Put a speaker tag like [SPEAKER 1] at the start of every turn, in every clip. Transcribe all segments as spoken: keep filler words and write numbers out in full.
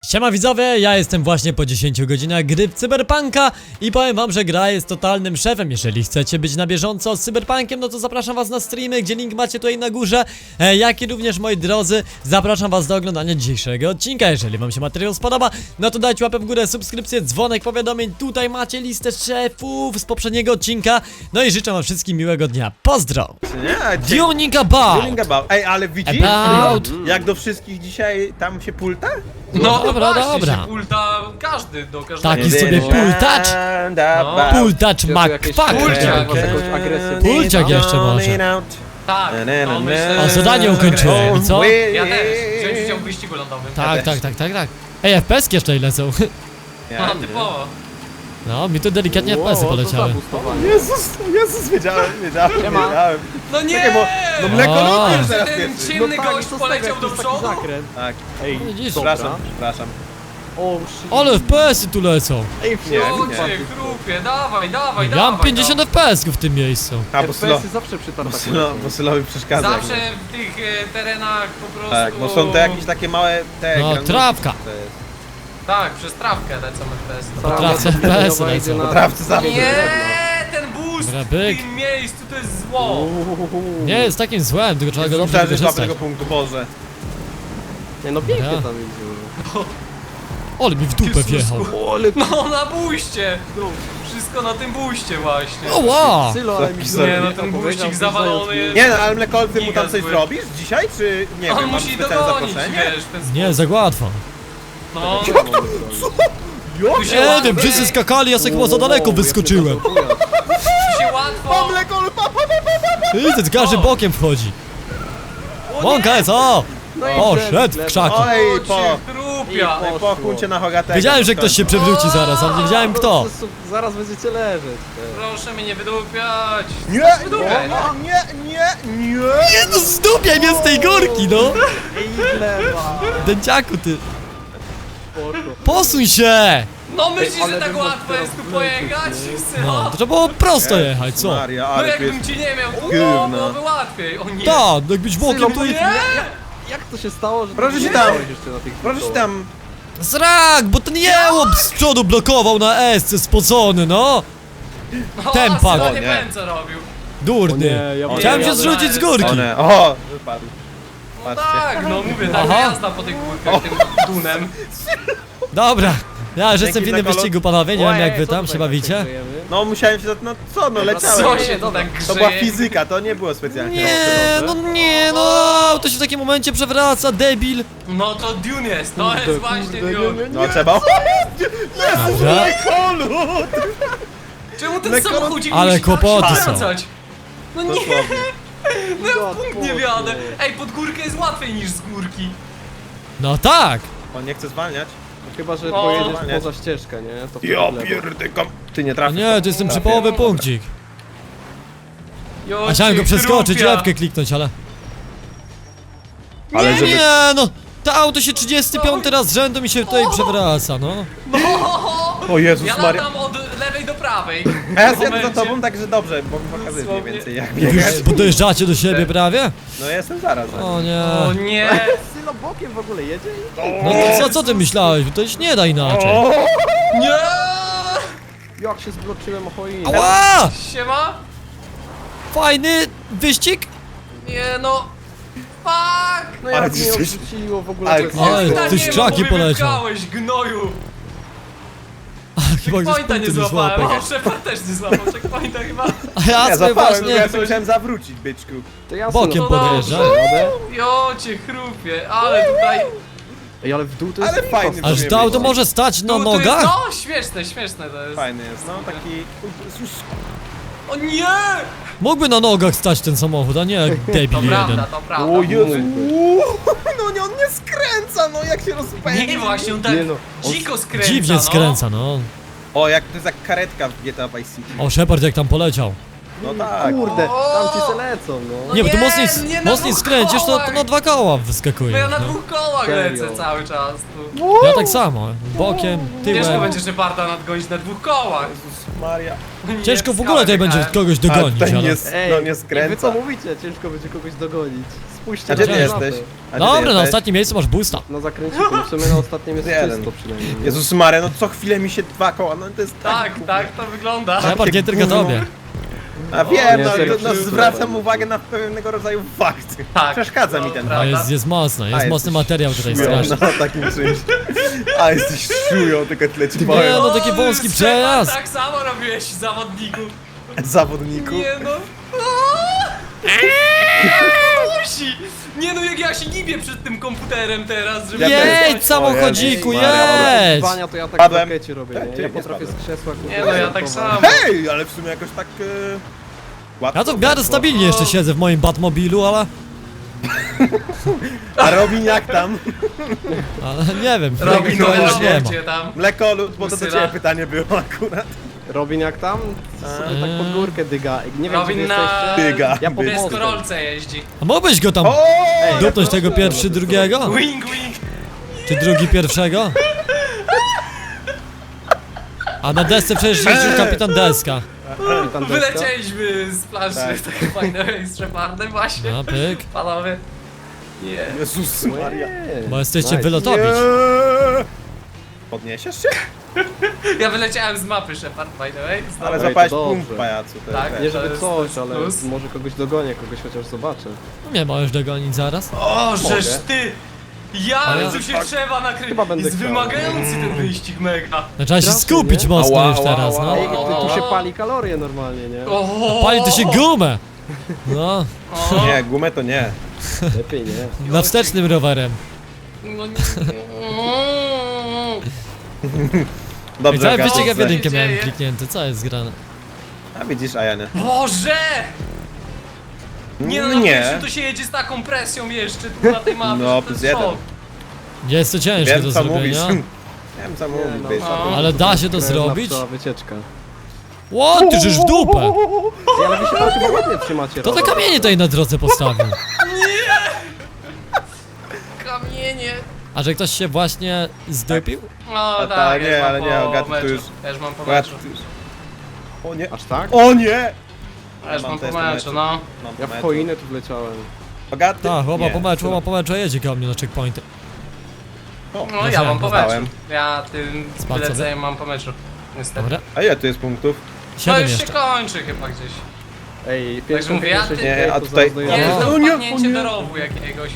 [SPEAKER 1] Siema widzowie, ja jestem właśnie po dziesięciu godzinach gry w Cyberpunka i powiem wam, że gra jest totalnym szefem. Jeżeli chcecie być na bieżąco z Cyberpunkiem, no to zapraszam was na streamy, gdzie link macie tutaj na górze, e, jak i również, moi drodzy, zapraszam was do oglądania dzisiejszego odcinka. Jeżeli wam się materiał spodoba, no to dajcie łapę w górę, subskrypcję, dzwonek, powiadomień. Tutaj macie listę szefów z poprzedniego odcinka. No i życzę wam wszystkim miłego dnia. Pozdro!
[SPEAKER 2] Nie,
[SPEAKER 1] Tuning about!
[SPEAKER 2] Tuning about. Ej, ale widzisz?
[SPEAKER 1] About.
[SPEAKER 2] Jak do wszystkich dzisiaj tam się pulta?
[SPEAKER 3] No
[SPEAKER 1] Dobra,
[SPEAKER 3] właśnie,
[SPEAKER 1] dobra.
[SPEAKER 3] się pulta każdy do każdego.
[SPEAKER 1] Taki sobie pultacz.
[SPEAKER 3] No.
[SPEAKER 1] Pultacz McFuck!
[SPEAKER 3] Pulciak.
[SPEAKER 1] Pulciak jeszcze może.
[SPEAKER 3] Tak, no myślę,
[SPEAKER 1] A
[SPEAKER 3] że-
[SPEAKER 1] zadanie ukończyłem, i co?
[SPEAKER 3] Ja też, wziąć udział w wyścigu lądowym.
[SPEAKER 1] Tak, tak, tak, tak, tak. Ej, F P S-ki jeszcze ile są?
[SPEAKER 3] No, typowo.
[SPEAKER 1] No, mi tu delikatnie F P S-y poleciały.
[SPEAKER 2] Jezus, Jezus, wiedziałem, wiedziałem, wiedziałem.
[SPEAKER 3] No nie!
[SPEAKER 2] Czekaj, bo no mleko
[SPEAKER 1] O.
[SPEAKER 2] lubię teraz
[SPEAKER 3] Ten
[SPEAKER 2] pierwszy.
[SPEAKER 3] ciemny gość poleciał do przodu.
[SPEAKER 2] Tak,
[SPEAKER 4] Ej,
[SPEAKER 1] Widzisz?
[SPEAKER 2] przepraszam, przepraszam.
[SPEAKER 4] o, shit.
[SPEAKER 1] Ale F P S-y tu lecą.
[SPEAKER 4] Ej,
[SPEAKER 2] Nie,
[SPEAKER 4] nie,
[SPEAKER 3] O cię, chrupie, dawaj, dawaj,
[SPEAKER 1] Ja
[SPEAKER 3] dawaj.
[SPEAKER 1] mam pięćdziesiąt F P S-ków w tym miejscu.
[SPEAKER 2] A, bo Sylo,
[SPEAKER 4] F P S-y zawsze przy
[SPEAKER 2] bo
[SPEAKER 4] tartakach.
[SPEAKER 2] Sylo, bo Sylowi przeszkadza.
[SPEAKER 3] Zawsze w tych e, terenach po prostu...
[SPEAKER 2] Tak, bo są te jakieś takie małe, te
[SPEAKER 1] No,
[SPEAKER 2] granulki,
[SPEAKER 1] trawka.
[SPEAKER 2] to jest.
[SPEAKER 3] Tak, przez trawkę lecą F P S.
[SPEAKER 1] Po trawce F P S-y lecą.
[SPEAKER 2] Po trawce zawsze.
[SPEAKER 3] Nie, ten boost
[SPEAKER 1] Dobra,
[SPEAKER 3] w
[SPEAKER 1] byk.
[SPEAKER 3] tym miejscu to jest zło.
[SPEAKER 1] Nie jest takim złem, tylko trzeba go dobrze
[SPEAKER 2] Myślałem, że złapę
[SPEAKER 1] wykorzystać.
[SPEAKER 2] tego punktu, Boże.
[SPEAKER 4] Nie no, pięknie
[SPEAKER 1] Dobra.
[SPEAKER 4] tam jeździło.
[SPEAKER 1] Ale mi w dupę wjechał.
[SPEAKER 3] No na buście. Wszystko na tym buście właśnie.
[SPEAKER 1] Oła!
[SPEAKER 4] Sylo, ale mi
[SPEAKER 2] Sorry.
[SPEAKER 3] Nie no, ten buścik zawalony jest.
[SPEAKER 2] Nie no, ale mleko, ty mu tam
[SPEAKER 3] Giga
[SPEAKER 2] coś
[SPEAKER 3] zły.
[SPEAKER 2] zrobisz dzisiaj, czy nie
[SPEAKER 3] On
[SPEAKER 2] wiem, mam
[SPEAKER 3] musi
[SPEAKER 2] specjalne
[SPEAKER 3] dogonić,
[SPEAKER 2] zaproszenie?
[SPEAKER 3] wiesz, w ten
[SPEAKER 1] Nie, za łatwo.
[SPEAKER 3] No, tu się
[SPEAKER 1] Nie
[SPEAKER 3] łatwo,
[SPEAKER 1] wiem, wszyscy skakali, ja sobie chyba za daleko wyskoczyłem.
[SPEAKER 3] tu się łatwo.
[SPEAKER 2] Mleko, pa, pa, pa,
[SPEAKER 1] Widzę, każdy bokiem wchodzi. Łąka jest, o! Poszedł w krzaki.
[SPEAKER 2] Oj,
[SPEAKER 3] O
[SPEAKER 2] po,
[SPEAKER 3] cię, chrupia.
[SPEAKER 2] ej, po kuncie na Hogatego.
[SPEAKER 1] Wiedziałem, że ktoś się przewróci zaraz, ale nie wiedziałem kto.
[SPEAKER 4] Zaraz będziecie leżeć.
[SPEAKER 3] Proszę mnie nie wydupiać.
[SPEAKER 2] Nie,
[SPEAKER 3] Wydupiaj, no.
[SPEAKER 2] nie, nie, nie, nie.
[SPEAKER 1] Nie no, zdupiaj mnie z tej górki, no!
[SPEAKER 4] Ej, lewa.
[SPEAKER 1] Dęciaku, ty.
[SPEAKER 4] Poszło.
[SPEAKER 1] Posuń się!
[SPEAKER 3] No myślisz,
[SPEAKER 4] ale
[SPEAKER 3] że tak
[SPEAKER 4] bym
[SPEAKER 3] łatwo
[SPEAKER 4] was
[SPEAKER 3] jest tu
[SPEAKER 4] teraz
[SPEAKER 3] pojechać?
[SPEAKER 1] No,
[SPEAKER 3] No,
[SPEAKER 1] to trzeba było prosto jechać, co?
[SPEAKER 2] Maria,
[SPEAKER 3] no
[SPEAKER 2] ale to
[SPEAKER 3] jakbym
[SPEAKER 2] jest...
[SPEAKER 3] ci nie miał, to
[SPEAKER 2] Gówno.
[SPEAKER 3] byłoby łatwiej. O nie.
[SPEAKER 1] Tak, jakbyś bokiem to...
[SPEAKER 3] Nie!
[SPEAKER 4] Jak to się stało, że...
[SPEAKER 2] Proszę
[SPEAKER 4] ty
[SPEAKER 2] się
[SPEAKER 4] nie
[SPEAKER 2] tam.
[SPEAKER 4] byłeś jeszcze na tych
[SPEAKER 2] Proszę się tam...
[SPEAKER 1] Zrak, bo ten jełop z przodu blokował na S-ce spocony, no!
[SPEAKER 3] O,
[SPEAKER 1] Tempa.
[SPEAKER 3] Sylo
[SPEAKER 2] O
[SPEAKER 3] nie
[SPEAKER 2] nie.
[SPEAKER 3] wiem co robił.
[SPEAKER 1] Durny.
[SPEAKER 4] nie, ja
[SPEAKER 1] Chciałem
[SPEAKER 3] nie,
[SPEAKER 1] się
[SPEAKER 3] ja
[SPEAKER 1] zrzucić z
[SPEAKER 3] daję.
[SPEAKER 1] górki.
[SPEAKER 2] One, o, wypadł.
[SPEAKER 3] No
[SPEAKER 2] Patrzcie.
[SPEAKER 3] tak, no mówię, tak
[SPEAKER 1] Aha.
[SPEAKER 3] jazda po tych górkach tym dunem.
[SPEAKER 1] Dobra. Ja już jestem w
[SPEAKER 2] Dzięki
[SPEAKER 1] innym
[SPEAKER 2] za kolor.
[SPEAKER 1] wyścigu, panowie, nie wiem
[SPEAKER 4] Ojej,
[SPEAKER 1] jak wy
[SPEAKER 4] co
[SPEAKER 1] tam
[SPEAKER 4] tutaj
[SPEAKER 1] się
[SPEAKER 4] tak
[SPEAKER 1] bawicie.
[SPEAKER 4] kręgujemy?
[SPEAKER 2] No musiałem się... za- No co, no
[SPEAKER 3] Co
[SPEAKER 2] leciałem.
[SPEAKER 3] się to tak grzeje?
[SPEAKER 2] To była fizyka, to nie było specjalnie.
[SPEAKER 1] Nie, no nie, no, to się w takim momencie przewraca, debil.
[SPEAKER 3] No to Dune jest, to jest
[SPEAKER 4] Kurde,
[SPEAKER 3] właśnie
[SPEAKER 4] kurde,
[SPEAKER 3] Dune.
[SPEAKER 4] nie, nie.
[SPEAKER 2] No trzeba...
[SPEAKER 1] Dobra.
[SPEAKER 2] Kolu!
[SPEAKER 3] Czemu ten
[SPEAKER 2] Lekko-
[SPEAKER 3] samochodzik
[SPEAKER 1] Ale
[SPEAKER 3] musi tak
[SPEAKER 1] kłopoty
[SPEAKER 3] się
[SPEAKER 1] są.
[SPEAKER 3] wracać? No nie,
[SPEAKER 2] Dosłownie.
[SPEAKER 3] no ja w punkt nie wiadę. Ej, pod górkę jest łatwiej niż z górki.
[SPEAKER 1] No tak.
[SPEAKER 2] On nie chce zwalniać.
[SPEAKER 4] Chyba, że
[SPEAKER 3] O,
[SPEAKER 4] pojedziesz
[SPEAKER 2] nie.
[SPEAKER 4] poza ścieżkę, nie? To wtedy
[SPEAKER 2] Ja
[SPEAKER 4] w lewo.
[SPEAKER 2] pierdykam. Ty nie
[SPEAKER 1] No
[SPEAKER 2] trafisz.
[SPEAKER 1] nie, to jest ten
[SPEAKER 2] Trafię.
[SPEAKER 1] przypołowy punkcik.
[SPEAKER 3] Jo,
[SPEAKER 1] A chciałem
[SPEAKER 3] cię
[SPEAKER 1] go przeskoczyć,
[SPEAKER 3] chrupia.
[SPEAKER 1] F-kę kliknąć, ale...
[SPEAKER 2] Ale
[SPEAKER 1] Nie,
[SPEAKER 2] żeby...
[SPEAKER 1] nie, no. To auto się trzydziesty piąty raz z rzędu mi się tutaj przewraca, no.
[SPEAKER 2] O Jezus
[SPEAKER 3] Ja
[SPEAKER 2] Maria.
[SPEAKER 3] latam od lewej do prawej.
[SPEAKER 2] A ja
[SPEAKER 3] W
[SPEAKER 2] zjadę za
[SPEAKER 3] momencie-
[SPEAKER 2] tobą, także dobrze, bo mi pokazujesz mniej
[SPEAKER 3] Dosłownie.
[SPEAKER 2] więcej jak
[SPEAKER 1] Wy
[SPEAKER 2] biegać.
[SPEAKER 1] już podjeżdżacie do siebie prawie?
[SPEAKER 2] No ja jestem zaraz. za
[SPEAKER 1] O
[SPEAKER 2] nim.
[SPEAKER 1] nie.
[SPEAKER 3] O nie.
[SPEAKER 4] Sylo bokiem w ogóle jedzie i...
[SPEAKER 1] No to co, co ty myślałeś? To się nie da inaczej.
[SPEAKER 2] O!
[SPEAKER 3] Nie.
[SPEAKER 4] Jak się zbloczyłem o choinę.
[SPEAKER 1] Ała!
[SPEAKER 3] Siema.
[SPEAKER 1] Fajny wyścig?
[SPEAKER 3] Nie no. Fuck.
[SPEAKER 4] No
[SPEAKER 2] Ale
[SPEAKER 4] jak
[SPEAKER 2] ty
[SPEAKER 4] mnie
[SPEAKER 2] jesteś-
[SPEAKER 4] odrzuciło w ogóle...
[SPEAKER 2] Ale
[SPEAKER 4] to
[SPEAKER 2] ty-
[SPEAKER 4] jest-
[SPEAKER 1] Ale
[SPEAKER 3] Pointa
[SPEAKER 1] ty
[SPEAKER 3] nie ma,
[SPEAKER 1] krzaki
[SPEAKER 3] bo mnie
[SPEAKER 1] poleciał.
[SPEAKER 3] wypchałeś, gnoju.
[SPEAKER 1] Chyba ktoś
[SPEAKER 3] Checkpointa nie
[SPEAKER 1] punktu nie
[SPEAKER 3] złapałem.
[SPEAKER 1] złapał.
[SPEAKER 3] O, Shepard też nie złapał checkpointa chyba.
[SPEAKER 1] A ja
[SPEAKER 2] Ja
[SPEAKER 1] sobie
[SPEAKER 2] zapałem, bo ja
[SPEAKER 1] właśnie
[SPEAKER 2] sobie musiałem zawrócić, byczku.
[SPEAKER 4] To ja
[SPEAKER 1] bokiem
[SPEAKER 4] Sylo-
[SPEAKER 3] No
[SPEAKER 1] podjeżdżam.
[SPEAKER 3] Jo, cię chrupie, ale tutaj...
[SPEAKER 4] Ej, ale w dół to jest
[SPEAKER 2] Ale
[SPEAKER 4] lipa.
[SPEAKER 2] fajny
[SPEAKER 1] Aż to auto może stać na
[SPEAKER 3] Tu, tu jest,
[SPEAKER 1] nogach?
[SPEAKER 3] no, śmieszne, śmieszne to jest.
[SPEAKER 2] Fajny jest, no taki...
[SPEAKER 3] O nie!
[SPEAKER 1] Mógłby na nogach stać ten samochód, a nie jak
[SPEAKER 3] To
[SPEAKER 1] debil
[SPEAKER 3] prawda,
[SPEAKER 1] jeden.
[SPEAKER 3] to prawda.
[SPEAKER 2] O Jezu. Uuu, no nie, on nie skręca, no jak się rozpędzi.
[SPEAKER 3] Nie, właśnie, on tak
[SPEAKER 4] Nie no, on
[SPEAKER 3] dziko skręca,
[SPEAKER 1] Dziwnie
[SPEAKER 3] no.
[SPEAKER 1] skręca, no.
[SPEAKER 2] O, jak to jest jak karetka w G T A Vice City.
[SPEAKER 1] O, Shepard jak tam poleciał.
[SPEAKER 2] No tak.
[SPEAKER 4] Kurde,
[SPEAKER 3] O!
[SPEAKER 4] tam ci se lecą, no.
[SPEAKER 3] No
[SPEAKER 1] Nie, bo tu
[SPEAKER 3] nie,
[SPEAKER 1] mocniej,
[SPEAKER 3] nie na
[SPEAKER 1] mocniej
[SPEAKER 3] dwóch
[SPEAKER 1] skręcisz, to, to
[SPEAKER 3] kołach.
[SPEAKER 1] na dwa koła
[SPEAKER 3] Bo
[SPEAKER 1] wyskakuje.
[SPEAKER 3] ja na
[SPEAKER 1] No.
[SPEAKER 3] dwóch kołach
[SPEAKER 4] Serio?
[SPEAKER 3] lecę cały czas tu.
[SPEAKER 1] Ja tak samo, bokiem,
[SPEAKER 3] Ciężko
[SPEAKER 1] tyłem.
[SPEAKER 3] będzie Szeparda nadgonić na dwóch kołach.
[SPEAKER 2] Jezus Maria.
[SPEAKER 3] Nie,
[SPEAKER 1] Ciężko w
[SPEAKER 3] skałę
[SPEAKER 1] ogóle tutaj będzie
[SPEAKER 3] wjechałem.
[SPEAKER 1] kogoś
[SPEAKER 2] Ale
[SPEAKER 1] dogonić,
[SPEAKER 2] tutaj
[SPEAKER 1] ale...
[SPEAKER 2] nie,
[SPEAKER 4] Ej,
[SPEAKER 2] no nie
[SPEAKER 4] wy co
[SPEAKER 2] skręca.
[SPEAKER 4] mówicie? Ciężko będzie kogoś dogonić. Spójrzcie
[SPEAKER 2] A gdzie
[SPEAKER 4] na
[SPEAKER 2] ty
[SPEAKER 4] mapę.
[SPEAKER 2] jesteś? A gdzie ty
[SPEAKER 1] Dobra, na
[SPEAKER 2] jesteś?
[SPEAKER 1] ostatnim miejscu masz boosta.
[SPEAKER 4] Na zakręciku, w sumie na ostatnim jest
[SPEAKER 2] Jeden.
[SPEAKER 4] czysto przynajmniej. nie?
[SPEAKER 2] Jezus Maria, no co chwilę mi się dwa koła, no to jest
[SPEAKER 3] Tak, tak to wygląda.
[SPEAKER 1] Shepard, nie tylko
[SPEAKER 2] gówno.
[SPEAKER 1] tobie.
[SPEAKER 2] A wiem,
[SPEAKER 4] Nie,
[SPEAKER 2] no,
[SPEAKER 4] serio,
[SPEAKER 2] no
[SPEAKER 4] wszystko
[SPEAKER 2] zwracam
[SPEAKER 4] dobra.
[SPEAKER 2] uwagę na pewnego rodzaju fakt.
[SPEAKER 3] Tak.
[SPEAKER 2] Przeszkadza mi
[SPEAKER 3] No,
[SPEAKER 2] ten
[SPEAKER 3] prawda.
[SPEAKER 1] A jest, jest mocno, jest
[SPEAKER 2] A,
[SPEAKER 1] mocny
[SPEAKER 2] jesteś
[SPEAKER 1] materiał tutaj
[SPEAKER 2] szują,
[SPEAKER 1] straszny.
[SPEAKER 2] no takim czymś. A jesteś szują, tylko tyle ci
[SPEAKER 1] Nie,
[SPEAKER 2] powiem.
[SPEAKER 1] no taki wąski
[SPEAKER 3] Shepard,
[SPEAKER 1] przejazd.
[SPEAKER 3] Tak samo robiłeś zawodniku.
[SPEAKER 2] Zawodniku.
[SPEAKER 3] Nie no. Musi! Nie no, jak ja się gibię przed tym komputerem teraz, żeby...
[SPEAKER 2] Ja też.
[SPEAKER 1] Jedź
[SPEAKER 2] Ojej,
[SPEAKER 1] samochodziku,
[SPEAKER 2] Maria,
[SPEAKER 1] jedź!
[SPEAKER 4] Zwania to ja tak
[SPEAKER 2] Padłem.
[SPEAKER 4] w rakecie robię,
[SPEAKER 2] Tak,
[SPEAKER 4] nie?
[SPEAKER 2] ty
[SPEAKER 4] Ja
[SPEAKER 2] nie
[SPEAKER 4] potrafię z
[SPEAKER 2] spadłem.
[SPEAKER 4] krzesła kurde,
[SPEAKER 3] Nie no, ja tak
[SPEAKER 4] zaatakować.
[SPEAKER 3] samo.
[SPEAKER 2] Hej, ale w sumie jakoś tak... E... łatwo
[SPEAKER 1] Ja to w miarę
[SPEAKER 2] poszło.
[SPEAKER 1] stabilnie jeszcze siedzę w moim Batmobilu, ale...
[SPEAKER 2] A Robin jak tam?
[SPEAKER 1] ale nie wiem,
[SPEAKER 3] Robi
[SPEAKER 1] chyba
[SPEAKER 3] to
[SPEAKER 1] już nie ma.
[SPEAKER 3] gdzie tam.
[SPEAKER 2] Mleko lud, bo to do
[SPEAKER 3] Usyra.
[SPEAKER 2] ciebie pytanie było akurat.
[SPEAKER 4] Robin jak tam? Sobie tak pod górkę dyga. Nie wiem,
[SPEAKER 3] Robin
[SPEAKER 4] gdzie
[SPEAKER 3] na...
[SPEAKER 4] jesteście.
[SPEAKER 2] Dyga.
[SPEAKER 4] Ja
[SPEAKER 3] W
[SPEAKER 4] pomogę.
[SPEAKER 3] deskorolce jeździ.
[SPEAKER 1] A mógłbyś go tam
[SPEAKER 2] O!
[SPEAKER 1] dupnąć tego pierwszy drugiego?
[SPEAKER 3] Wing, wing.
[SPEAKER 1] Czy drugi pierwszego? A na desce przecież jeździł kapitan Deska.
[SPEAKER 4] Kapitan Deska.
[SPEAKER 3] Wylecieliśmy z planszy
[SPEAKER 2] Tak.
[SPEAKER 3] tak fajne z Shepardem właśnie.
[SPEAKER 1] No pyk,
[SPEAKER 3] Panowie. Nie.
[SPEAKER 2] Jezus Maria.
[SPEAKER 4] Nie.
[SPEAKER 1] bo jesteście
[SPEAKER 4] Nice.
[SPEAKER 1] wylotowić.
[SPEAKER 2] Nie. Podniesiesz się?
[SPEAKER 3] Ja wyleciałem z mapy Shepard, by the way. Znowu.
[SPEAKER 2] Ale
[SPEAKER 4] Ej,
[SPEAKER 2] zapałeś
[SPEAKER 4] to
[SPEAKER 2] punkt,
[SPEAKER 4] dobrze.
[SPEAKER 2] pajacu. To
[SPEAKER 3] Tak.
[SPEAKER 2] jest-
[SPEAKER 4] Nie
[SPEAKER 3] To
[SPEAKER 4] żeby
[SPEAKER 3] jest-
[SPEAKER 4] coś,
[SPEAKER 3] to jest
[SPEAKER 4] ale
[SPEAKER 3] plus.
[SPEAKER 4] może kogoś dogonię, kogoś chociaż zobaczę.
[SPEAKER 1] Nie możesz dogonić zaraz.
[SPEAKER 3] O, żeż
[SPEAKER 4] Mogę.
[SPEAKER 3] ty! Ja,
[SPEAKER 1] Ale-
[SPEAKER 3] tu się trzeba nakryć.
[SPEAKER 4] Chyba będę
[SPEAKER 3] Jest
[SPEAKER 4] chciał.
[SPEAKER 3] wymagający ten wyścig mega.
[SPEAKER 1] No, trzeba się
[SPEAKER 4] Strasznie,
[SPEAKER 1] skupić
[SPEAKER 4] nie?
[SPEAKER 1] mocno
[SPEAKER 2] Ała,
[SPEAKER 1] już
[SPEAKER 2] ała,
[SPEAKER 1] teraz,
[SPEAKER 2] ała,
[SPEAKER 1] no.
[SPEAKER 4] Ej,
[SPEAKER 2] ała.
[SPEAKER 4] tu się pali kalorie normalnie, nie?
[SPEAKER 3] O,
[SPEAKER 1] Pali to się gumę! No,
[SPEAKER 3] o,
[SPEAKER 2] Nie, gumę to nie.
[SPEAKER 4] Lepiej nie.
[SPEAKER 1] na wstecznym rowerem.
[SPEAKER 3] No nie.
[SPEAKER 1] I
[SPEAKER 2] Dobrze,
[SPEAKER 1] cały
[SPEAKER 2] Gabi,
[SPEAKER 1] wyścig F
[SPEAKER 2] dobrze.
[SPEAKER 1] jeden
[SPEAKER 3] Co się
[SPEAKER 1] miałem
[SPEAKER 3] dzieje?
[SPEAKER 1] kliknięty, co jest grane?
[SPEAKER 2] A widzisz, a ja nie.
[SPEAKER 3] Boże! Nie no, na
[SPEAKER 2] Nie.
[SPEAKER 3] pierwszym to się jedzie z taką presją jeszcze tu na tej mapie,
[SPEAKER 2] No,
[SPEAKER 3] że to
[SPEAKER 2] plus
[SPEAKER 3] jest
[SPEAKER 2] jeden.
[SPEAKER 3] szok.
[SPEAKER 1] Jest to ciężkie do
[SPEAKER 2] Wiem co mówisz.
[SPEAKER 1] zrobienia.
[SPEAKER 2] Wiem co
[SPEAKER 4] Nie,
[SPEAKER 2] mówisz,
[SPEAKER 4] no,
[SPEAKER 2] wiesz.
[SPEAKER 3] no.
[SPEAKER 1] Ale da się to
[SPEAKER 4] Krewna
[SPEAKER 1] zrobić?
[SPEAKER 4] pszczoła wycieczka.
[SPEAKER 1] Ło, ty żeż w dupę!
[SPEAKER 4] Ej, ale wy się tam chyba ładnie trzymacie.
[SPEAKER 1] To te
[SPEAKER 4] Robert.
[SPEAKER 1] kamienie tutaj na drodze postawił.
[SPEAKER 3] Kamienie.
[SPEAKER 1] A że ktoś się właśnie zdupił?
[SPEAKER 3] No
[SPEAKER 2] A
[SPEAKER 3] tak,
[SPEAKER 2] ta,
[SPEAKER 3] ja
[SPEAKER 2] nie,
[SPEAKER 3] już mam
[SPEAKER 2] ale
[SPEAKER 3] po
[SPEAKER 2] nie, Agaty, to
[SPEAKER 3] meczu.
[SPEAKER 2] już-
[SPEAKER 3] Ja już mam po
[SPEAKER 2] Akurat
[SPEAKER 3] meczu.
[SPEAKER 2] już- O nie.
[SPEAKER 4] Aż tak?
[SPEAKER 2] O nie!
[SPEAKER 3] Ja już
[SPEAKER 2] mam
[SPEAKER 3] mam po
[SPEAKER 2] też
[SPEAKER 3] meczu,
[SPEAKER 2] meczu.
[SPEAKER 3] no.
[SPEAKER 2] Mam
[SPEAKER 4] Ja
[SPEAKER 2] po
[SPEAKER 4] w
[SPEAKER 2] meczu.
[SPEAKER 4] choinę tu wleciałem.
[SPEAKER 2] Bogaty?
[SPEAKER 1] Tak, chłopa
[SPEAKER 2] Nie.
[SPEAKER 1] po meczu, chłopa po meczu, a jedzie koło mnie na checkpointy.
[SPEAKER 2] O,
[SPEAKER 3] No ja mam po
[SPEAKER 2] dostałem.
[SPEAKER 3] meczu. Ja tym
[SPEAKER 1] Spadł sobie?
[SPEAKER 3] wyleceniem mam po meczu. Niestety.
[SPEAKER 1] Dobra,
[SPEAKER 2] A ile tu jest punktów?
[SPEAKER 3] To
[SPEAKER 1] siedem
[SPEAKER 3] już się
[SPEAKER 1] jeszcze.
[SPEAKER 3] kończy chyba gdzieś.
[SPEAKER 4] Ej, pierwszy
[SPEAKER 3] mówię, ja ty-
[SPEAKER 2] Nie, a tutaj-
[SPEAKER 3] Nie,
[SPEAKER 1] No.
[SPEAKER 3] to
[SPEAKER 2] O nie, o
[SPEAKER 3] wpadnięcie
[SPEAKER 2] nie.
[SPEAKER 3] do rowu jakiegoś.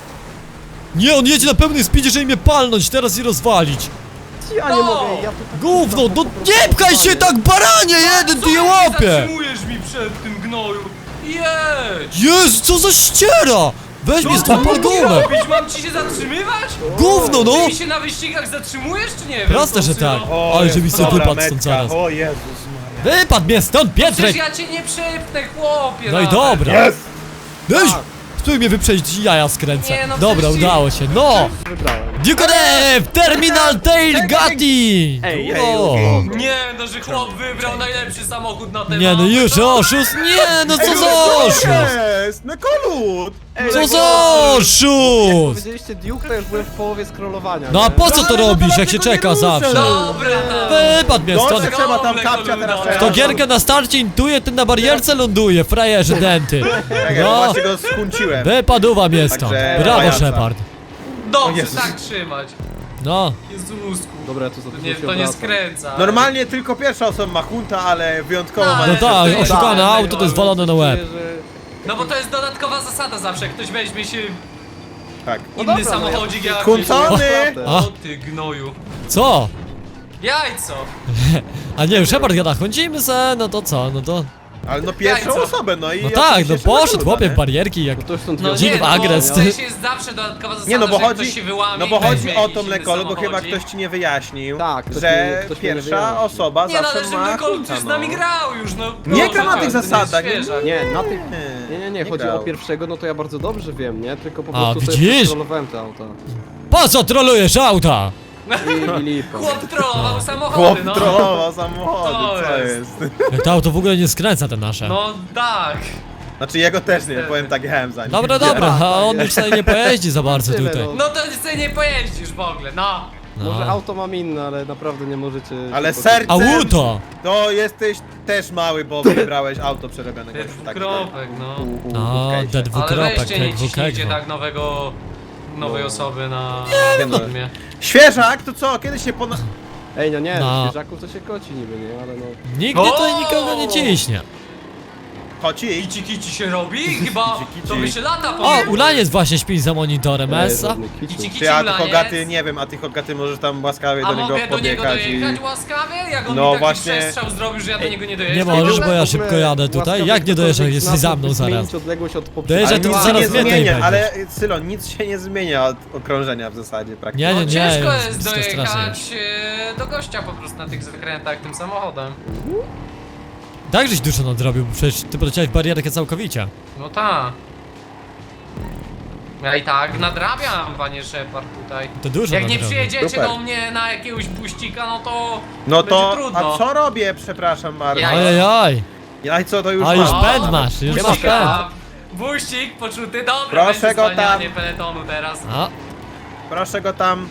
[SPEAKER 1] Nie, on jedzie na pełnym speedzie, żeby mnie palnąć teraz i rozwalić.
[SPEAKER 4] Ja nie
[SPEAKER 3] No.
[SPEAKER 4] mogę, ja tu tak
[SPEAKER 1] Gówno,
[SPEAKER 4] po
[SPEAKER 1] no
[SPEAKER 4] prostu
[SPEAKER 1] nie pchaj się tak baranie, jeden ty je łapie!
[SPEAKER 3] Zatrzymujesz mi przed tym gnoju. Jedź!
[SPEAKER 1] Jezu, co za ściera! Weź mnie
[SPEAKER 3] Co
[SPEAKER 1] stąd
[SPEAKER 3] mam
[SPEAKER 1] pod
[SPEAKER 3] ci
[SPEAKER 1] gumę!
[SPEAKER 3] robić? Mam ci się zatrzymywać?
[SPEAKER 1] Gówno, no!
[SPEAKER 3] Ty mi się na wyścigach zatrzymujesz, czy nie wiem?
[SPEAKER 1] Proste, że
[SPEAKER 3] Tosylo?
[SPEAKER 1] tak.
[SPEAKER 2] O,
[SPEAKER 1] Ale
[SPEAKER 2] jest
[SPEAKER 1] żeby sobie
[SPEAKER 2] dobra
[SPEAKER 1] wypadł stąd
[SPEAKER 2] metka.
[SPEAKER 1] zaraz.
[SPEAKER 2] O Jezus Maria.
[SPEAKER 1] Wypadł mnie stąd,
[SPEAKER 3] Przecież
[SPEAKER 1] Pietrek!
[SPEAKER 3] ja cię nie przepnę, chłopie!
[SPEAKER 1] No i
[SPEAKER 3] nawet.
[SPEAKER 1] dobra.
[SPEAKER 2] Jest!
[SPEAKER 1] Weź! Spróbuj mnie wyprzedzić, jaja skręcę.
[SPEAKER 3] Nie, no
[SPEAKER 1] Dobra,
[SPEAKER 3] przecież-
[SPEAKER 1] udało się, no!
[SPEAKER 4] wybrałem.
[SPEAKER 1] Dukodev! Terminal Tail Gatti!
[SPEAKER 4] Ej,
[SPEAKER 2] ej,
[SPEAKER 1] O.
[SPEAKER 2] ej.
[SPEAKER 3] Nie, no że chłop wybrał najlepszy samochód na ten
[SPEAKER 1] Nie no już, oszust! Nie no co za oszust!
[SPEAKER 2] Jest! Na kolut!
[SPEAKER 1] Co za oszust!
[SPEAKER 4] Powiedzieliście Duke, to już byłem w połowie scrollowania.
[SPEAKER 1] No a
[SPEAKER 4] nie?
[SPEAKER 1] po co to
[SPEAKER 2] Ale no
[SPEAKER 1] robisz,
[SPEAKER 2] to
[SPEAKER 1] jak się
[SPEAKER 2] tego nie
[SPEAKER 1] czeka
[SPEAKER 2] ruszę,
[SPEAKER 1] zawsze?
[SPEAKER 2] no.
[SPEAKER 3] Dobra, tam.
[SPEAKER 1] Wypadł mnie stąd!
[SPEAKER 2] Dobrze, trzeba tam kapcia teraz
[SPEAKER 3] To
[SPEAKER 1] To gierkę na starcie intuje, ten na barierce ląduje, frajerze denty!
[SPEAKER 2] Czekaj,
[SPEAKER 1] No,
[SPEAKER 2] właśnie go skunciłem.
[SPEAKER 1] wypadła mnie stąd!
[SPEAKER 2] Także
[SPEAKER 1] Brawo,
[SPEAKER 2] pajaca.
[SPEAKER 1] Shepard!
[SPEAKER 2] O
[SPEAKER 3] Dobrze,
[SPEAKER 2] Jezus.
[SPEAKER 3] tak trzymać.
[SPEAKER 1] No,
[SPEAKER 3] Jezusku.
[SPEAKER 4] Dobra, ja tu za
[SPEAKER 3] To
[SPEAKER 4] dużo
[SPEAKER 3] nie,
[SPEAKER 4] się
[SPEAKER 3] to nie
[SPEAKER 4] obracam.
[SPEAKER 3] skręca.
[SPEAKER 2] Normalnie tylko pierwsza osoba ma hunta, ale wyjątkowo
[SPEAKER 3] No,
[SPEAKER 2] ma...
[SPEAKER 1] no
[SPEAKER 3] ale-
[SPEAKER 1] tak,
[SPEAKER 3] to-
[SPEAKER 1] oszukane
[SPEAKER 3] tak,
[SPEAKER 1] auto to jest
[SPEAKER 3] tak.
[SPEAKER 1] walone na łeb.
[SPEAKER 4] Czuję, że-
[SPEAKER 3] No bo to jest dodatkowa zasada zawsze, jak ktoś weźmie się
[SPEAKER 2] Tak.
[SPEAKER 3] inny
[SPEAKER 4] dobra, no
[SPEAKER 3] samochodzik jak...
[SPEAKER 2] Kuncony!
[SPEAKER 1] A?
[SPEAKER 3] O ty gnoju.
[SPEAKER 1] Co?
[SPEAKER 3] Jajco.
[SPEAKER 1] A nie, Shepard gada, chodzimy se, no to co, no to...
[SPEAKER 2] Ale no pierwszą
[SPEAKER 3] Jajco.
[SPEAKER 2] osobę, no i...
[SPEAKER 1] No tak, no
[SPEAKER 2] oczywiście
[SPEAKER 1] poszedł
[SPEAKER 2] szanowna,
[SPEAKER 1] chłopie w
[SPEAKER 2] nie?
[SPEAKER 1] barierki jak...
[SPEAKER 4] No to już stąd
[SPEAKER 3] No
[SPEAKER 4] wiadomo.
[SPEAKER 1] Dzik
[SPEAKER 3] nie,
[SPEAKER 1] w
[SPEAKER 3] no,
[SPEAKER 1] agres.
[SPEAKER 3] w sensie jest zawsze dodatkowa zasada,
[SPEAKER 2] Nie no, bo
[SPEAKER 3] że jak
[SPEAKER 2] chodzi,
[SPEAKER 3] ktoś się wyłamie
[SPEAKER 2] no bo
[SPEAKER 3] i
[SPEAKER 2] chodzi
[SPEAKER 3] weźmie
[SPEAKER 2] o
[SPEAKER 3] jakiś
[SPEAKER 2] to
[SPEAKER 3] inny
[SPEAKER 2] mlekolo, bo chyba
[SPEAKER 3] samochodzik.
[SPEAKER 2] ktoś ci nie wyjaśnił,
[SPEAKER 4] Tak, ktoś
[SPEAKER 2] że
[SPEAKER 4] mi- ktoś mi nie
[SPEAKER 2] pierwsza
[SPEAKER 4] wyjaśnił.
[SPEAKER 2] osoba
[SPEAKER 3] Nie no, ale
[SPEAKER 2] zawsze
[SPEAKER 3] że
[SPEAKER 2] ma
[SPEAKER 3] Mlekol
[SPEAKER 2] hunta,
[SPEAKER 3] już z nami
[SPEAKER 2] no.
[SPEAKER 3] grał już, no.
[SPEAKER 2] Nie
[SPEAKER 3] proszę
[SPEAKER 2] gra na
[SPEAKER 3] cię,
[SPEAKER 2] tych
[SPEAKER 3] to nie jest
[SPEAKER 2] zasadach, nie-
[SPEAKER 3] świeżak.
[SPEAKER 4] Nie, na tych...
[SPEAKER 2] Nie,
[SPEAKER 4] Nie, nie, nie,
[SPEAKER 2] nie
[SPEAKER 4] chodzi
[SPEAKER 2] grał.
[SPEAKER 4] o pierwszego, no to ja bardzo dobrze wiem, nie? Tylko po
[SPEAKER 1] A,
[SPEAKER 4] prostu sobie
[SPEAKER 1] widzisz?
[SPEAKER 4] przekontrolowałem te auta.
[SPEAKER 1] Po co trolujesz auta?
[SPEAKER 4] I, i lipa.
[SPEAKER 3] Chłop trollował samochody,
[SPEAKER 2] Chłop
[SPEAKER 3] no.
[SPEAKER 2] trollował samochody,
[SPEAKER 3] To
[SPEAKER 2] co
[SPEAKER 3] jest.
[SPEAKER 2] jest?
[SPEAKER 1] Jak to auto w ogóle nie skręca te nasze.
[SPEAKER 3] No tak.
[SPEAKER 2] Znaczy jego też nie, powiem tak, jechałem za nim.
[SPEAKER 1] Dobra, dobra, a on już tutaj nie pojeździ za bardzo
[SPEAKER 4] Tyle,
[SPEAKER 1] tutaj.
[SPEAKER 4] no.
[SPEAKER 3] No to sobie nie pojeździsz w ogóle, no.
[SPEAKER 4] Może
[SPEAKER 1] No.
[SPEAKER 4] auto mam inne, ale naprawdę nie możecie...
[SPEAKER 2] Ale
[SPEAKER 4] się
[SPEAKER 2] serce-
[SPEAKER 1] Auto!
[SPEAKER 2] To jesteś też mały, bo wybrałeś auto przerobionego.
[SPEAKER 3] Te
[SPEAKER 2] Tak,
[SPEAKER 3] dwukropek, no.
[SPEAKER 2] u- u- u-
[SPEAKER 1] No,
[SPEAKER 2] w case'ie.
[SPEAKER 1] te
[SPEAKER 3] Ale
[SPEAKER 1] dwukropek,
[SPEAKER 3] weźcie
[SPEAKER 1] te
[SPEAKER 3] nie ciśnijcie
[SPEAKER 1] dwukropek.
[SPEAKER 3] tak nowego, nowej osoby na
[SPEAKER 2] Nie no.
[SPEAKER 3] filmie.
[SPEAKER 2] Świeżak, to co? Kiedyś się pona...
[SPEAKER 4] Ej, no nie,
[SPEAKER 1] No.
[SPEAKER 4] no. świeżaków to się koci niby, nie? Ale no...
[SPEAKER 1] Nigdy tutaj nikogo nie ciśnie.
[SPEAKER 2] Koci?
[SPEAKER 3] Kici kici się robi? Chyba
[SPEAKER 2] Kici, kici.
[SPEAKER 3] to by się lata
[SPEAKER 1] O,
[SPEAKER 3] powiem.
[SPEAKER 1] Ulaniec właśnie śpi za monitorem,
[SPEAKER 4] Ej,
[SPEAKER 1] Essa.
[SPEAKER 4] żadnych kiciów.
[SPEAKER 3] Kici kici
[SPEAKER 2] Ty, a ty
[SPEAKER 3] ulaniec.
[SPEAKER 2] Hogaty, nie wiem, a ty Hogaty możesz tam łaskawie
[SPEAKER 3] A
[SPEAKER 2] do niego
[SPEAKER 3] mogę do niego
[SPEAKER 2] podjechać i...
[SPEAKER 3] dojechać łaskawie? Jak on
[SPEAKER 2] No
[SPEAKER 3] mi taki
[SPEAKER 2] właśnie.
[SPEAKER 3] przestrzał zrobił, że ja do niego nie dojeżdżam?
[SPEAKER 1] Nie
[SPEAKER 3] w ogóle?
[SPEAKER 1] możesz, bo ja
[SPEAKER 4] W ogóle
[SPEAKER 1] szybko jadę tutaj.
[SPEAKER 4] łaskawie
[SPEAKER 1] Jak nie dojeżdżasz,
[SPEAKER 4] ktokolwiek
[SPEAKER 1] jesteś
[SPEAKER 4] z nas
[SPEAKER 1] za mną
[SPEAKER 4] mógłby
[SPEAKER 1] zaraz.
[SPEAKER 4] zmienić odległość od
[SPEAKER 1] Dojeżdża
[SPEAKER 2] Ale
[SPEAKER 1] tu
[SPEAKER 2] nic się
[SPEAKER 1] zaraz
[SPEAKER 2] nie
[SPEAKER 1] mnie tutaj
[SPEAKER 2] zmienia,
[SPEAKER 1] będziesz.
[SPEAKER 2] ale Sylo, nic się nie zmienia od okrążenia w zasadzie praktycznie.
[SPEAKER 1] Nie,
[SPEAKER 3] No
[SPEAKER 1] nie, nie,
[SPEAKER 3] ciężko
[SPEAKER 1] jest
[SPEAKER 3] jest
[SPEAKER 1] to strasznie.
[SPEAKER 3] dojechać e, do gościa po prostu na tych zakrętach tym samochodem.
[SPEAKER 1] Tak żeś dużo nadrobił, bo przecież ty poleciałeś barierkę całkowicie.
[SPEAKER 3] No ta. Ja i tak nadrabiam, panie Shepard tutaj.
[SPEAKER 1] To dużo
[SPEAKER 3] Jak nie
[SPEAKER 1] nadrobił.
[SPEAKER 3] przyjedziecie
[SPEAKER 2] Super.
[SPEAKER 3] do mnie na jakiegoś buścika, no to
[SPEAKER 2] No
[SPEAKER 3] będzie
[SPEAKER 2] to,
[SPEAKER 3] trudno.
[SPEAKER 2] a co robię, przepraszam bardzo?
[SPEAKER 3] Ja-
[SPEAKER 1] Ojej,
[SPEAKER 2] Ja i co, to już
[SPEAKER 1] A już
[SPEAKER 2] mam.
[SPEAKER 1] pęd masz, już masz
[SPEAKER 3] buścika.
[SPEAKER 1] pęd.
[SPEAKER 3] Buścik poczuty, dobra,
[SPEAKER 2] Proszę
[SPEAKER 3] będzie
[SPEAKER 2] go tam.
[SPEAKER 3] zwalnianie peletonu teraz.
[SPEAKER 1] A,
[SPEAKER 2] Proszę go tam.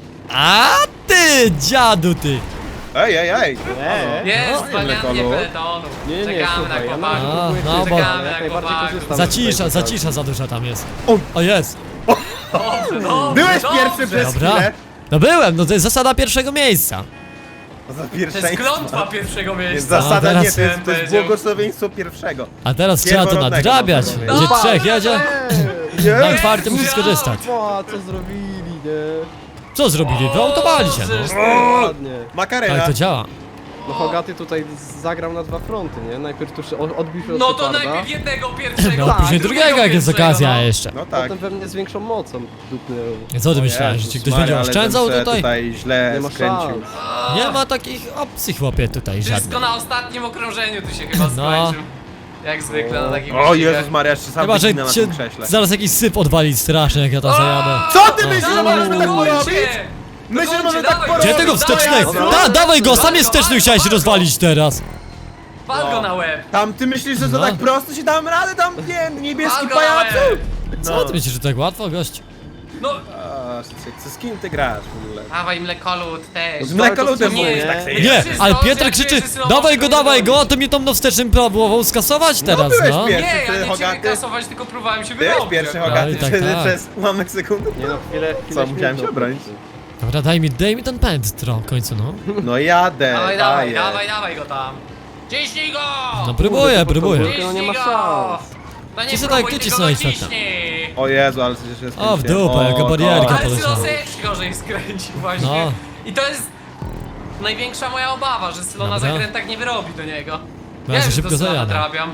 [SPEAKER 1] a ty, dziadu ty.
[SPEAKER 2] Ej, ej, ej.
[SPEAKER 4] Eee.
[SPEAKER 3] Jest
[SPEAKER 2] No,
[SPEAKER 3] zwalnianie
[SPEAKER 2] Lekolu.
[SPEAKER 3] peletonu.
[SPEAKER 4] Nie, nie, nie,
[SPEAKER 3] Czekamy na
[SPEAKER 4] słuchaj, ja
[SPEAKER 3] chłopaków.
[SPEAKER 1] A,
[SPEAKER 4] nawet
[SPEAKER 1] no,
[SPEAKER 4] no,
[SPEAKER 1] bo-
[SPEAKER 4] ale jak najbardziej
[SPEAKER 3] Chłopaków.
[SPEAKER 4] korzystam.
[SPEAKER 1] Zacisza,
[SPEAKER 4] z tej
[SPEAKER 1] zacisza za duża tam jest.
[SPEAKER 2] O.
[SPEAKER 1] O, jest.
[SPEAKER 3] Dobrze, dobrze,
[SPEAKER 2] Byłeś
[SPEAKER 3] dobrze.
[SPEAKER 2] pierwszy przez
[SPEAKER 1] Dobra.
[SPEAKER 2] chwilę.
[SPEAKER 1] No byłem, no to jest zasada pierwszego miejsca.
[SPEAKER 2] To za
[SPEAKER 3] To jest
[SPEAKER 2] pierwszeństwo.
[SPEAKER 3] klątwa pierwszego
[SPEAKER 2] Jest
[SPEAKER 3] miejsca.
[SPEAKER 2] zasada,
[SPEAKER 1] teraz-
[SPEAKER 2] nie, to jest, to jest
[SPEAKER 3] Powiedział.
[SPEAKER 2] błogosławieństwo pierwszego.
[SPEAKER 1] A teraz trzeba to
[SPEAKER 2] Pierworodnego
[SPEAKER 1] nadrabiać.
[SPEAKER 2] można
[SPEAKER 1] Gdzie
[SPEAKER 2] powiedzieć.
[SPEAKER 1] trzech jedzie,
[SPEAKER 4] Eee,
[SPEAKER 1] na
[SPEAKER 2] Nie?
[SPEAKER 1] czwartym musisz skorzystać.
[SPEAKER 4] o, co zrobili, nie?
[SPEAKER 1] Co zrobili? Wyautowali się,
[SPEAKER 3] Boże,
[SPEAKER 1] no.
[SPEAKER 4] Ładnie.
[SPEAKER 2] Makarena.
[SPEAKER 1] Tak to działa.
[SPEAKER 4] No Hogaty tutaj zagrał na dwa fronty, nie? Najpierw tu się o- odbił się od
[SPEAKER 3] No to
[SPEAKER 4] Sheparda,
[SPEAKER 3] najpierw jednego pierwszego.
[SPEAKER 1] No
[SPEAKER 4] Tak,
[SPEAKER 1] później drugiego jak jest
[SPEAKER 3] pierwszego,
[SPEAKER 1] okazja
[SPEAKER 3] no.
[SPEAKER 1] jeszcze.
[SPEAKER 2] No tak.
[SPEAKER 4] potem we mnie z większą mocą dupnął.
[SPEAKER 1] Co ty
[SPEAKER 2] O
[SPEAKER 1] myślałeś, że
[SPEAKER 2] Jezus
[SPEAKER 1] ci ktoś
[SPEAKER 2] Maria,
[SPEAKER 1] będzie
[SPEAKER 2] ale
[SPEAKER 1] oszczędzał
[SPEAKER 2] ten se
[SPEAKER 1] tutaj?
[SPEAKER 2] tutaj źle
[SPEAKER 4] Nie ma
[SPEAKER 2] skręcił.
[SPEAKER 4] szans.
[SPEAKER 1] Nie ma takich opcji chłopie tutaj
[SPEAKER 3] Wszystko
[SPEAKER 1] żadnych.
[SPEAKER 3] na ostatnim okrążeniu tu się chyba
[SPEAKER 1] No.
[SPEAKER 3] skończył. Jak zwykle na takim
[SPEAKER 2] O Jezus Maria, jeszcze sam
[SPEAKER 1] Chyba, że
[SPEAKER 2] wyginę na
[SPEAKER 1] cię
[SPEAKER 2] tym krześle.
[SPEAKER 1] zaraz jakiś syp odwalić straszny jak ja tam zajadę.
[SPEAKER 2] Co ty myślisz, że możesz tak
[SPEAKER 3] Dawajcie!
[SPEAKER 2] porobić? Myślisz, że może tak
[SPEAKER 3] dawaj,
[SPEAKER 2] porobić?
[SPEAKER 1] Gdzie tego wstecznego?
[SPEAKER 3] Dawaj,
[SPEAKER 1] Da, dawaj go, sam jest
[SPEAKER 3] Walgo,
[SPEAKER 1] wsteczny chciałeś
[SPEAKER 3] walgo,
[SPEAKER 1] rozwalić teraz.
[SPEAKER 3] Wal go na łeb!
[SPEAKER 2] Tam ty myślisz, że to
[SPEAKER 1] No.
[SPEAKER 2] tak prosto się dam radę, tam nie wiem, niebieski
[SPEAKER 3] Wal go na
[SPEAKER 2] pajacu?
[SPEAKER 3] łeb!
[SPEAKER 1] Co ty myślisz, że tak łatwo, gość?
[SPEAKER 3] No,
[SPEAKER 2] A, z, z kim ty grasz w ogóle?
[SPEAKER 3] dawaj mlekolud też.
[SPEAKER 2] Z mlekoludem
[SPEAKER 4] Nie,
[SPEAKER 2] mówisz
[SPEAKER 4] nie.
[SPEAKER 2] tak sobie.
[SPEAKER 1] Nie,
[SPEAKER 3] Wszyscy
[SPEAKER 1] ale
[SPEAKER 3] to,
[SPEAKER 1] Pietrek
[SPEAKER 3] jak
[SPEAKER 1] krzyczy,
[SPEAKER 3] czujesz, że Sylo
[SPEAKER 1] dawaj go,
[SPEAKER 3] może
[SPEAKER 1] dawaj
[SPEAKER 3] robić.
[SPEAKER 1] go, a to mnie tą wstecznym próbował skasować teraz,
[SPEAKER 2] byłeś
[SPEAKER 1] no.
[SPEAKER 2] pierwszy.
[SPEAKER 3] Nie, ja
[SPEAKER 2] ty,
[SPEAKER 3] nie ciebie
[SPEAKER 2] Hogaty?
[SPEAKER 3] kasować, tylko próbowałem się
[SPEAKER 2] Byłeś
[SPEAKER 3] wyrobić.
[SPEAKER 2] pierwszy
[SPEAKER 3] akurat.
[SPEAKER 2] Hogaty
[SPEAKER 1] i tak,
[SPEAKER 2] przez,
[SPEAKER 1] tak.
[SPEAKER 2] przez ułamek sekundy?
[SPEAKER 4] Nie no, chwilę, chwilę
[SPEAKER 2] Co, musiałem się
[SPEAKER 4] śmigał.
[SPEAKER 2] obronić?
[SPEAKER 1] Dobra, daj mi, daj mi ten pęd tro, w końcu, no.
[SPEAKER 2] No jadę,
[SPEAKER 3] Dawaj, dawaj,
[SPEAKER 2] daję.
[SPEAKER 3] dawaj, dawaj go tam. Ciśnij go!
[SPEAKER 1] No próbuję,
[SPEAKER 4] Kurde,
[SPEAKER 1] próbuję.
[SPEAKER 4] to no nie ma
[SPEAKER 3] Ciśnij go!
[SPEAKER 4] szans.
[SPEAKER 3] No nie
[SPEAKER 1] Ci se
[SPEAKER 3] próbuj,
[SPEAKER 1] tak, ty
[SPEAKER 3] tylko
[SPEAKER 1] cisnąłeś
[SPEAKER 3] go
[SPEAKER 1] tak tam.
[SPEAKER 3] ciśnij.
[SPEAKER 2] O Jezu, ale przecież jest
[SPEAKER 1] O, w dupę, jaka barierka.
[SPEAKER 3] Ale
[SPEAKER 1] poleciało.
[SPEAKER 3] Sylo też gorzej skręcił właśnie.
[SPEAKER 1] No.
[SPEAKER 3] I to jest największa moja obawa, że Sylo na
[SPEAKER 1] Dobra.
[SPEAKER 3] zakrętach nie wyrobi do niego.
[SPEAKER 1] Bo ja
[SPEAKER 3] Wiem,
[SPEAKER 1] się
[SPEAKER 3] że
[SPEAKER 1] szybko
[SPEAKER 3] to Sylo
[SPEAKER 1] zajadę.
[SPEAKER 3] nadrabiam.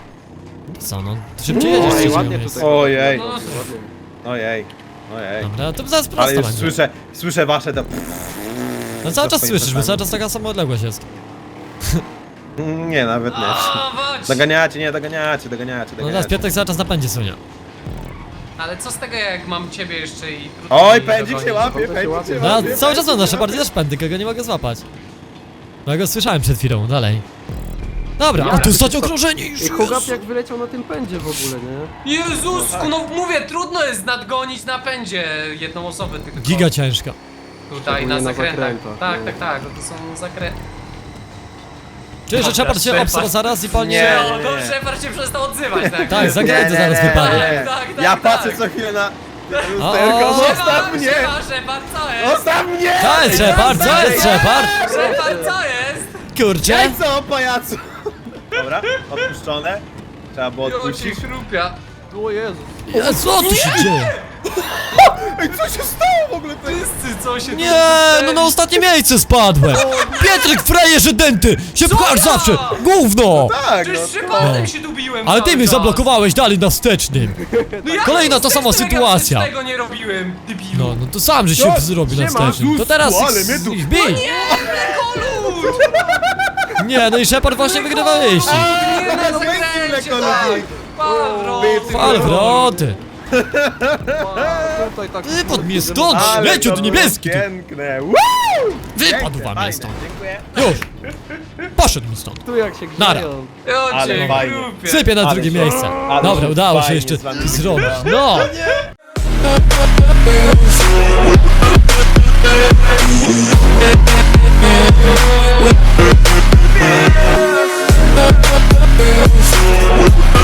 [SPEAKER 1] Co no, to szybciej jedziesz z
[SPEAKER 4] Oj,
[SPEAKER 1] trzeciego
[SPEAKER 4] ładnie
[SPEAKER 1] miejsca.
[SPEAKER 4] tutaj.
[SPEAKER 2] Ojej,
[SPEAKER 3] No,
[SPEAKER 2] ojej, ojej.
[SPEAKER 1] Dobra, to zaraz
[SPEAKER 2] Ale
[SPEAKER 1] prosto
[SPEAKER 2] już
[SPEAKER 1] będzie.
[SPEAKER 2] słyszę, słyszę wasze to...
[SPEAKER 1] No cały czas
[SPEAKER 2] swoimi
[SPEAKER 1] słyszysz, bo
[SPEAKER 2] plecami.
[SPEAKER 1] cały czas taka sama odległość jest.
[SPEAKER 2] Nie, nawet nie.
[SPEAKER 3] o, chodź.
[SPEAKER 2] Doganiacie, nie, doganiacie, doganiacie,
[SPEAKER 1] No teraz
[SPEAKER 2] doganiacie.
[SPEAKER 1] Piotrek cały czas na pędzie sunie.
[SPEAKER 3] Ale co z tego, jak mam ciebie jeszcze i...
[SPEAKER 2] Oj,
[SPEAKER 3] i
[SPEAKER 2] pędzik
[SPEAKER 3] dogonić?
[SPEAKER 2] się łapie,
[SPEAKER 4] To się
[SPEAKER 2] pędzik
[SPEAKER 4] łapie.
[SPEAKER 2] się
[SPEAKER 1] No
[SPEAKER 2] łapie.
[SPEAKER 1] cały czas mam nasze
[SPEAKER 2] pędzik
[SPEAKER 1] bardziej
[SPEAKER 2] się
[SPEAKER 1] też pędy, kogo nie mogę złapać. No ja go słyszałem przed chwilą, dalej. Dobra, a tu stać okrążenie już
[SPEAKER 4] I Hogat
[SPEAKER 1] jest.
[SPEAKER 4] jak wyleciał na tym pędzie w ogóle, nie?
[SPEAKER 3] Jezusku, no mówię, trudno jest nadgonić na pędzie jedną osobę tylko.
[SPEAKER 1] Giga ciężka.
[SPEAKER 3] Tutaj na
[SPEAKER 4] Szczególnie na
[SPEAKER 3] zakrętach.
[SPEAKER 4] zakrętach,
[SPEAKER 3] Tak,
[SPEAKER 4] no.
[SPEAKER 3] tak, tak, no to są zakręty.
[SPEAKER 1] Czuję, że
[SPEAKER 3] Dobra,
[SPEAKER 1] Shepard się
[SPEAKER 3] Shepard.
[SPEAKER 1] obsra zaraz i palnie...
[SPEAKER 2] Nie.
[SPEAKER 3] No, to Shepard się przestał odzywać, tak?
[SPEAKER 1] Tak, zakręty
[SPEAKER 2] Nie,
[SPEAKER 1] zaraz
[SPEAKER 2] nie, nie,
[SPEAKER 1] wypadnie.
[SPEAKER 2] nie.
[SPEAKER 3] Tak, tak,
[SPEAKER 2] Ja
[SPEAKER 3] tak.
[SPEAKER 2] patrzę co chwilę na
[SPEAKER 1] O,
[SPEAKER 2] lusterko, zostaw
[SPEAKER 3] Shepard,
[SPEAKER 2] mnie!
[SPEAKER 3] Shepard, Shepard, co jest?
[SPEAKER 2] Zostaw mnie!
[SPEAKER 1] Co jest Shepard? Co jest Shepard?
[SPEAKER 3] Shepard, co jest?
[SPEAKER 1] Kurczę?
[SPEAKER 2] Ej, co, pajacu? Dobra, odpuszczone. Trzeba było
[SPEAKER 3] Jo, ci
[SPEAKER 2] odpuścić.
[SPEAKER 3] chrupia.
[SPEAKER 4] O Jezu.
[SPEAKER 1] Ja, co tu się dzieje?
[SPEAKER 2] Ej, co się stało w ogóle? To jest...
[SPEAKER 3] Wszyscy, co się tu
[SPEAKER 1] Nie, no na ostatnie miejsce spadłem. Pietrek, frajerze denty! Się pchasz
[SPEAKER 3] ja?
[SPEAKER 1] zawsze! Gówno!
[SPEAKER 2] Tak, no.
[SPEAKER 3] Przecież z Shepardem
[SPEAKER 1] No.
[SPEAKER 3] się dubiłem
[SPEAKER 1] Ale
[SPEAKER 3] cały
[SPEAKER 1] ty mnie
[SPEAKER 3] czas.
[SPEAKER 1] zablokowałeś dalej na wstecznym.
[SPEAKER 3] No jak
[SPEAKER 1] Kolejna
[SPEAKER 3] to
[SPEAKER 1] ta sama
[SPEAKER 3] wstecznego?
[SPEAKER 1] sytuacja.
[SPEAKER 3] Ja tego nie robiłem, debilu.
[SPEAKER 1] No, no to sam, że się
[SPEAKER 2] No,
[SPEAKER 1] zrobił na
[SPEAKER 2] siema,
[SPEAKER 1] wstecznym. To teraz
[SPEAKER 2] Jezus, ale
[SPEAKER 1] ich,
[SPEAKER 2] mnie tu-
[SPEAKER 1] ich bij.
[SPEAKER 3] Kolud!
[SPEAKER 1] Nie, no i Shepard właśnie wygrywa wyścig.
[SPEAKER 3] Nie, na
[SPEAKER 2] no weź
[SPEAKER 3] zakręcie,
[SPEAKER 2] mleko,
[SPEAKER 3] tak!
[SPEAKER 2] ludzie.
[SPEAKER 3] Pawro!
[SPEAKER 2] Bycy.
[SPEAKER 1] Fal wroty.
[SPEAKER 4] A, tutaj tak...
[SPEAKER 1] Wypadł mnie stąd,
[SPEAKER 2] Ale
[SPEAKER 1] śmieciu,
[SPEAKER 2] to
[SPEAKER 1] ty
[SPEAKER 2] było
[SPEAKER 1] niebieski! Ty.
[SPEAKER 2] piękne. Woo!
[SPEAKER 1] Wypadł
[SPEAKER 2] Piękne,
[SPEAKER 1] wam mnie
[SPEAKER 2] fajne,
[SPEAKER 1] stąd.
[SPEAKER 2] Dziękuję.
[SPEAKER 1] Już! Poszedł mi stąd.
[SPEAKER 4] Tu jak się
[SPEAKER 1] Nara.
[SPEAKER 4] grzeją.
[SPEAKER 3] Ja
[SPEAKER 2] Ale
[SPEAKER 3] cię
[SPEAKER 2] fajnie.
[SPEAKER 3] grupie.
[SPEAKER 1] Sypię na
[SPEAKER 2] Ale
[SPEAKER 1] drugie
[SPEAKER 2] się-
[SPEAKER 1] miejsce.
[SPEAKER 2] ale
[SPEAKER 1] Dobra,
[SPEAKER 2] się
[SPEAKER 1] udało się
[SPEAKER 2] fajnie
[SPEAKER 1] jeszcze
[SPEAKER 2] z wami
[SPEAKER 1] zrobić.
[SPEAKER 2] gra.
[SPEAKER 1] No!